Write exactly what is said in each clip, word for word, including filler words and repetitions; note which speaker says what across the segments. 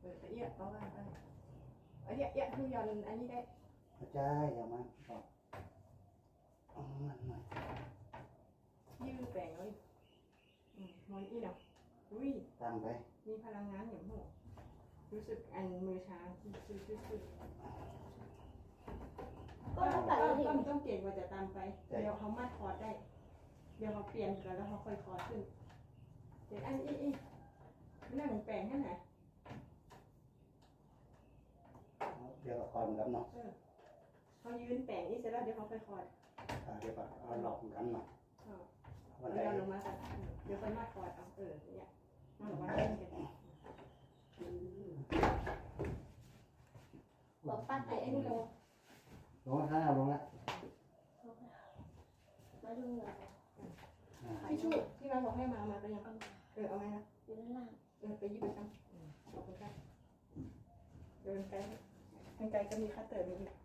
Speaker 1: อแต่เอี้ยเอาว่าไปอันเอี้ยเอี้ยคือยอนอันนี้ได้
Speaker 2: ใช่อย่ามาบอกอ๋อมันหน่อย
Speaker 1: ยืดแปลงเลยอืมมอนอีเนาะอุ้ย
Speaker 2: ตั้งไป
Speaker 1: มีพลังงานอย่างหูรู้สึกอันมือชาคือคือคือคือก็ต้องต้องต้องเก่งกว่าจะตามไปเดี๋ยวเขามาคอร์ดได้เดี๋ยวเขาเปลี่ยนกันแล้วเขาค่อยคอร์ดขึ้นเดี๋ยวอันอีอีไม่ได้เหมือนแปลงแค่ไหน
Speaker 2: เดี๋ยวคอนกันเนาะ
Speaker 1: เขายืนแปลงนี่เสร็จแล้วเดี๋ยวเขาค่อยคอร์ด
Speaker 2: เดี๋ยวเอาหลอกกันหน่อย
Speaker 1: วันนี้ลงมากันเดี๋ยวค่อยมาคอร์ดเอาเออเนี่ยนั่งว่าเล่นกันบอกปั้นไอ้ไอ้นี่ลง
Speaker 2: ลงแล้วลงแล้ว
Speaker 3: มาดูเหรอ
Speaker 1: ที่ชูที่เราบอกให้มามาไปยังเออเอาไหมนะ
Speaker 3: อยู่ด้านล่าง
Speaker 1: เออไปยิบไปกันขอบคุณค่ะเดินไกลทางไกลก็มีคัตเตอร์มีอีก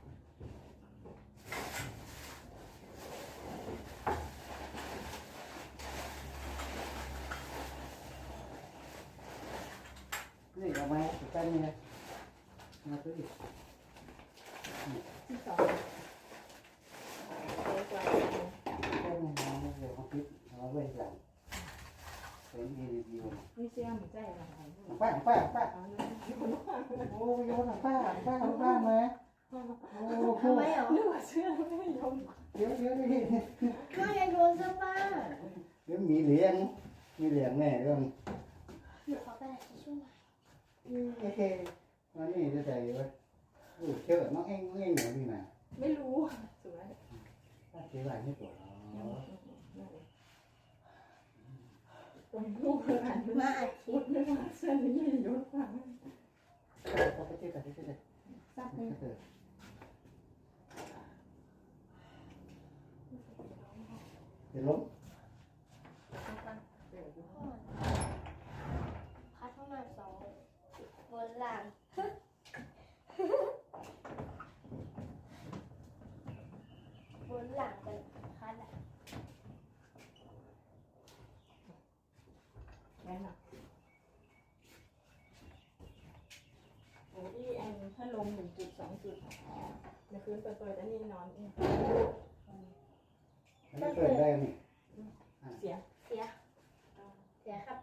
Speaker 2: นี่เอาไหมใกล้นี่นะมาตัวอีก
Speaker 1: ที่สองเล็กกว่า
Speaker 2: ใกล้นี่นะเดี๋ยวเขาคิดเอาไว้หลังเป็นดีดีวัน
Speaker 1: นี่เชื่อมใจอะไร
Speaker 2: ป้าป้าป้าโอ้ยโยนป้าป้าป้ามาโอ้
Speaker 3: ทำไมเหรอ
Speaker 1: นึกว่าเชื่อไม่ยอม
Speaker 2: เดี๋ยวเดี๋ยวนี่
Speaker 3: ก็ยังโดนซะป้า
Speaker 2: เดี๋ยวมีเหรียญมีเหรียญแน่เรื่อง
Speaker 3: เดี๋ยวเขาไปช่วย
Speaker 2: โอเคมานี่จะใจไว้โอ้เชื่อน้องเอ็งน้องเอ็งหนูดีนะ
Speaker 1: ไม่รู้สวย
Speaker 2: ป้าเชื่ออะไรไม่ตัว
Speaker 1: ตรงลูกขนาด
Speaker 3: มาอัดคลิ
Speaker 1: ปไม่ว่าเส้นนี้ยกฟัง
Speaker 2: เขาไปเชื่อกันเชื่อกัน
Speaker 1: ซักเลย
Speaker 2: เดี๋ยวล้ม
Speaker 3: คัดเข้ามาสองบนหลังบนหลังกันคัดอ่ะ
Speaker 1: แม่น่ะโอ้ยอันถ้าลมหนึ่งจุดสองจุดในคืนเปิดๆอันนี้นอนเอง
Speaker 2: ก็เปิดได้ไหม
Speaker 1: เสีย
Speaker 3: เสียเสียครับ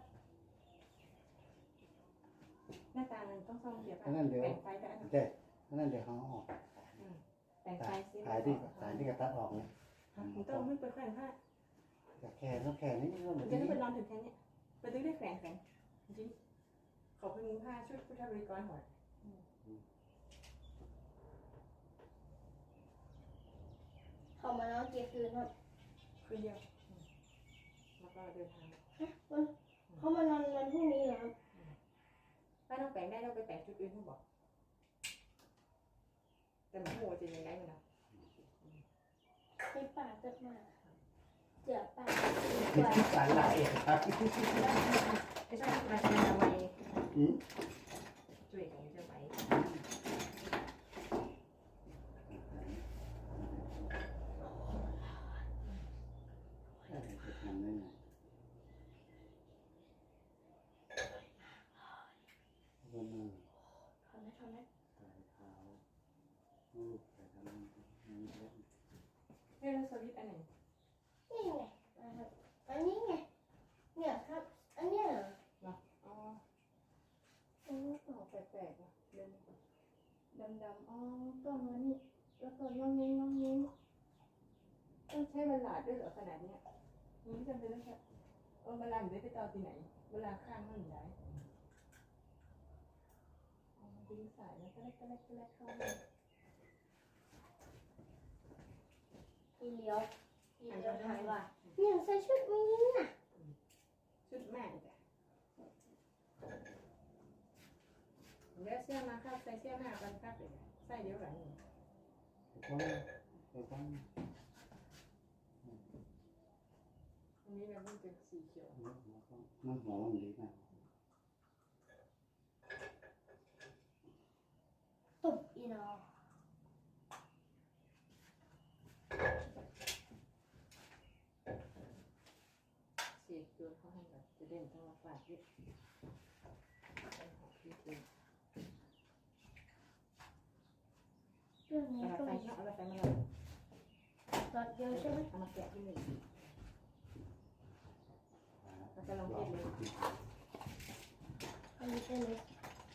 Speaker 1: หน้าตามันต้องซ่อมเสียป่ะ
Speaker 2: แบ่
Speaker 1: งไฟได้
Speaker 2: ใช่นั่นเดี๋ยวเขาออก
Speaker 1: แบ่งไฟซิ
Speaker 2: สายที่สายที่กระตัดออกเนี่ย
Speaker 1: มันต้องไม่เปิดแขวนผ้า
Speaker 2: จะแขนต้องแขนนี่ก็
Speaker 1: มันจะไม่เป็นนอนถึงแค่นี้ไปตึ้งได้แขวนแขวนจริงขอเป็นมุ้งผ้าชุดพุทธบริกรหน่อย
Speaker 3: เขามานอนกี่คืนครับ
Speaker 1: คืนเดียวแล้วก็เดินทาง
Speaker 3: เขามานอนวันพรุ่งนี้เหรอครับ
Speaker 1: ถ้าต้องแปลงได้เราไปแปลงจุดอื่นเขาบอกแต่หมูหัวจะยังไงมันนะ
Speaker 3: ไปป่าจะมาเจือป่า
Speaker 2: สารไหลครับ
Speaker 1: ไม่ใช่มาทำไมช่วยกันจะไป
Speaker 2: ทำได้ไงวันนึง
Speaker 3: ทำได้ทำได้
Speaker 2: ใส่เท้าลูกใส่ทำนั่นนี่เล็ก
Speaker 1: เฮ้ยแล้วสวิตอันไหน
Speaker 3: นี่ไงอันนี้ไงเนี่ยครับอันเนี้ย
Speaker 1: เหรออ๋อโอ้ต่อแปลกๆอ่ะเดินดำๆอ๋อต้นนี้แล้วก็งงเงงงงเงงต้องใช้เวลาด้วยเหรอขนาดเนี้ยนี่จำเป็นต้องใช้เออเวลาอยู่ได้ไปต่อที่ไหนเวลาข้างนั่นไหนดึงสายแล้วก็เล็กก็เล็กก็เล็กเข้ามา
Speaker 3: อีเลี้ยวอีเลี้ยวทายว่าเนี่ยใส่ชุดนี้น่ะ
Speaker 1: ชุดแม่จ้ะเดี๋ยวเสื้อมาครับใส่เสื้อแม่กันครับเลยใส่เดี๋ยวหลังนี่
Speaker 2: ต้องต้อง
Speaker 1: อันนี้แบบมันเป็นสีเขียว
Speaker 2: มันหอมดีมาก
Speaker 3: ตุบอีนอ
Speaker 1: เสียตัวเขาให้แบบจะเด่นทั้งละฝ่ายที่
Speaker 3: เรื่องนี้
Speaker 1: เอา
Speaker 3: ก็
Speaker 1: ไป
Speaker 3: มี
Speaker 1: เอาไปมาเลย
Speaker 3: รถเยอะใช่ไหม
Speaker 1: เอามาแกะที่หนึ่งเราจะลองเทสเลย
Speaker 3: อันนี้เป็นเล็ก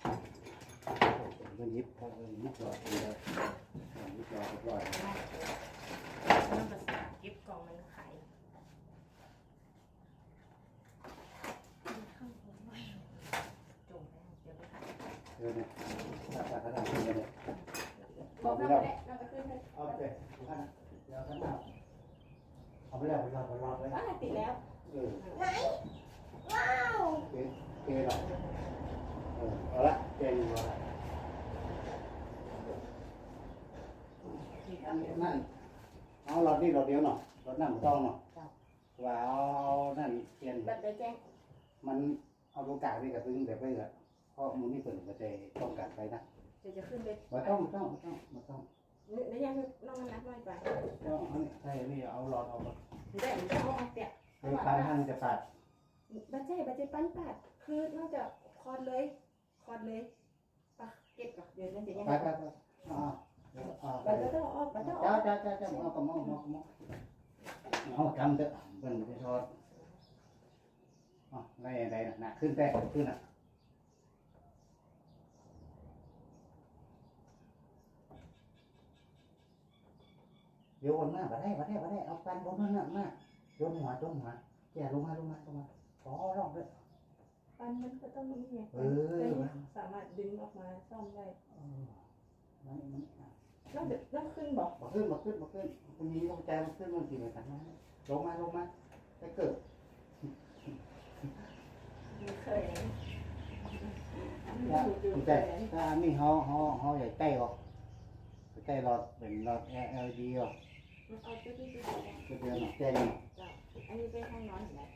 Speaker 2: มันยิบเขายิบหลอดเลยยิบหลอดหลอด
Speaker 1: มันภาษากิฟต์กล่องมันขาย
Speaker 3: ข้างบนไว้
Speaker 1: จงแล้วเดี๋ยวไปขาย
Speaker 2: เออเนี่ยตัดตัดตัดขึ้นเลย
Speaker 1: บอกเราไปแล้วเราก็ขึ้นเลย
Speaker 2: เอาไปดูกันเดี๋ยวกันเอาเอาไปแล้วไปรอไปรอเลย
Speaker 1: อ่าติดแล้ว
Speaker 2: เออ
Speaker 3: ไหนว้าว
Speaker 2: โอเคโอเคหรอเออเอาละเจนอยู่ละนั่นเอาหลอดนี่หลอดเดียวเนาะหลอดน้ำต้องเนาะว่าเอานั่นเทียน
Speaker 1: บัตรได้แจ้ง
Speaker 2: มันเอาลูกกาไปกับพึ่งแบบไปละเพราะมันนี่เปิดกระจายต้องการไปนะ
Speaker 1: เดี๋ยวจะขึ้นไป
Speaker 2: มาต้องมาต้องมาต้องมาต้อง
Speaker 1: นี่ยังน้องนับน้อยไป
Speaker 2: ต้องอันนี้ใช่นี่เอาหลอดเอา
Speaker 1: ได้หรือเอาเอาเตะ
Speaker 2: เออปลายทางจะปัด
Speaker 1: บัตรเจ้บัตรเจ้ปั้นปัดคือนอกจากคอร์ดเลยคอร์ดเลยปะเก็บก่อนเดี๋ยวนั่นจะยัง
Speaker 2: ไปไปไปอ่าอ่าไป
Speaker 1: บัตรต้องออกบัตรต้องอ
Speaker 2: จ้า
Speaker 1: อก
Speaker 2: จ้าจ้าจ้าเอากระมองเอากระมองเอาทำเถอะเป็นไปทอดอ๋อได้อะไรนะหนักขึ้นแต่ขึ้นอ่ะโยนมาบ่ได้บ่ได้บ่ได้เอาปันบนนั่นน่ะมาโยนหัวโยนหัวแย่ลงมาลงมาลงมาขอร้องด้วย
Speaker 1: ปันมันก็ต้องมีไง
Speaker 2: เออ
Speaker 1: สามารถดึงออกมาซ่อมได้
Speaker 2: เออมันมัน
Speaker 1: ต้องเดี๋ยวต้องขึ้นบอก
Speaker 2: มาขึ้นมาขึ้นมาขึ้นคุณมีต้องใจมาขึ้นมันกี่เหมือนกันนะลงมาลงมาไปเกิด
Speaker 1: เคย
Speaker 2: ว่าคุณใจถ้านี่ห่อห่อห่อใหญ่ใกล้ออกใกล้หลอดเป็นหลอด แอล อี ดี ออก
Speaker 1: เอาตัวที่ตัว
Speaker 2: ก็เดือนหน่อยแจ้งนี่
Speaker 1: อันนี้เป็นห้องนอนเห็นไหม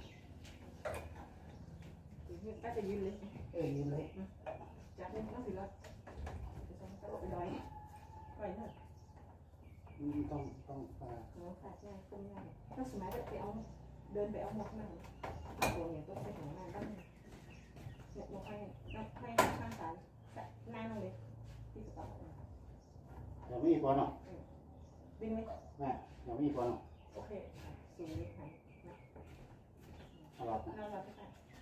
Speaker 1: ก็จะยืนเลย
Speaker 2: เอ้ยยืนเลย
Speaker 1: จากนี้ต้องสิรถจะต้องตลบไปร้อยปล่อยเถอะ
Speaker 2: ต้องต้องอ่า
Speaker 1: น้องขาดง่ายคุ้มง่ายถ้าสมัยไปเอาเดินไปเอาหมวกนั่งตัวเนี่ยต้องไปของงานบ้างเนี่ยหมวกให้น้องให้ข้างซ้ายนั่งเลยที่กระเป๋า
Speaker 2: เดี๋ยวไม่มีคนหรอก
Speaker 1: ดึงไหม
Speaker 2: แม่เดี๋ยวไม่มีคนหรอก
Speaker 1: โอเคสูงนิดหน่อย
Speaker 2: เอาหลอดนะ
Speaker 1: เราเราไป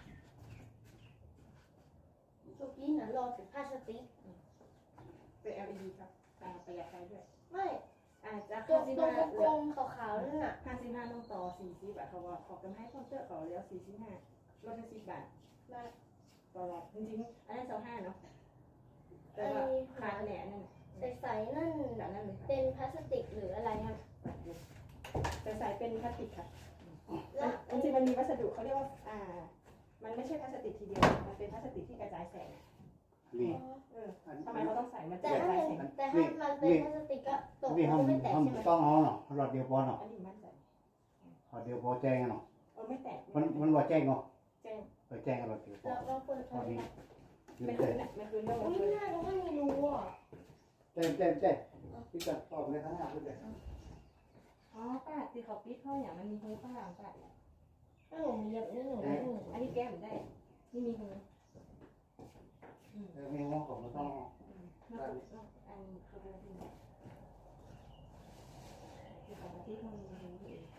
Speaker 3: เมื่อกี้น่ะรอถึงพลาสติก
Speaker 1: เป็น แอล อี ดี ครับประหยัดไฟด้วย
Speaker 3: ไม่
Speaker 1: อาจจะ
Speaker 3: ตร
Speaker 1: ห้าง สิบ
Speaker 3: ตรง
Speaker 1: ห้าก
Speaker 3: ลมๆขาวๆนั่นน่ะ
Speaker 1: ห้าสิบห้าต้องต่อสี่สิบอะเขาว่าขอกำให้คอนเตอร์เขาแล้วสี่สิบห้าลดไปสิบบาท
Speaker 3: มา
Speaker 1: ต่อรอบจริงๆอันนั้นสองห้าเนาะแต่ว่าขาดแหน่นั่น
Speaker 3: ใสๆนั่น
Speaker 1: แบบนั้นเลย
Speaker 3: เป็นพลาสติกหรืออะไรครับ
Speaker 1: แต่ใส่เป็นพลาสติกค่ะ
Speaker 3: แล้ว
Speaker 1: จริงๆมันมีวัสดุเขาเรียกว่าอ่า มันไม่ใช่พลาสติกทีเดียวมันเป็นพลาสติกที่กระจายแสง
Speaker 2: นี่
Speaker 1: เออทำไมเขาต้องใส่มันจะ
Speaker 3: แต่
Speaker 1: กระ
Speaker 3: ถ้า
Speaker 1: จาย
Speaker 3: เป็น
Speaker 1: แสง
Speaker 3: แต่ถ้ามันเป็นพลาสติกก็ตก
Speaker 2: นี่
Speaker 3: ก็
Speaker 2: ห้อง
Speaker 3: ไม่แตก
Speaker 2: ห้อง
Speaker 3: ใช่ไหม
Speaker 2: ต้องเอาเนาะหลอดเดียวพอเนาะ
Speaker 1: อันนี้มันใส่
Speaker 2: หลอดเดียวพอแจ้งกันเนาะ
Speaker 1: เออไม่แตก
Speaker 2: มันมันว่าแจ้งเนาะ
Speaker 1: แจ้ง
Speaker 2: เออแจ้งกันหลอดเดียวพอ
Speaker 3: แล้วเราควร
Speaker 2: พอ
Speaker 3: ทำ
Speaker 2: ดี
Speaker 3: ยังไง
Speaker 2: ยืน
Speaker 1: ไม่
Speaker 2: เต้
Speaker 1: คืนน่ะไม่คืนต้อง
Speaker 3: อุ้ย
Speaker 1: คืน
Speaker 3: หน้าเราไม่รู้อ่ะ
Speaker 2: แจ้งแจ้งแจ้งพี่จะตอบเลยข้างหน้าพี่จะ
Speaker 1: อ๋อป้าที่เขาปิดเขาอย่างมันมีหูข้างหลังป้า
Speaker 3: ถ้าหนูมีแบบนี้หนูไม่หนู
Speaker 1: อันนี้แก้มได้นี่มีหู
Speaker 2: เออมีห้องของมันต้อง
Speaker 1: นอกจากอันเขาเรียกที่ที่เขาที่มันมีหู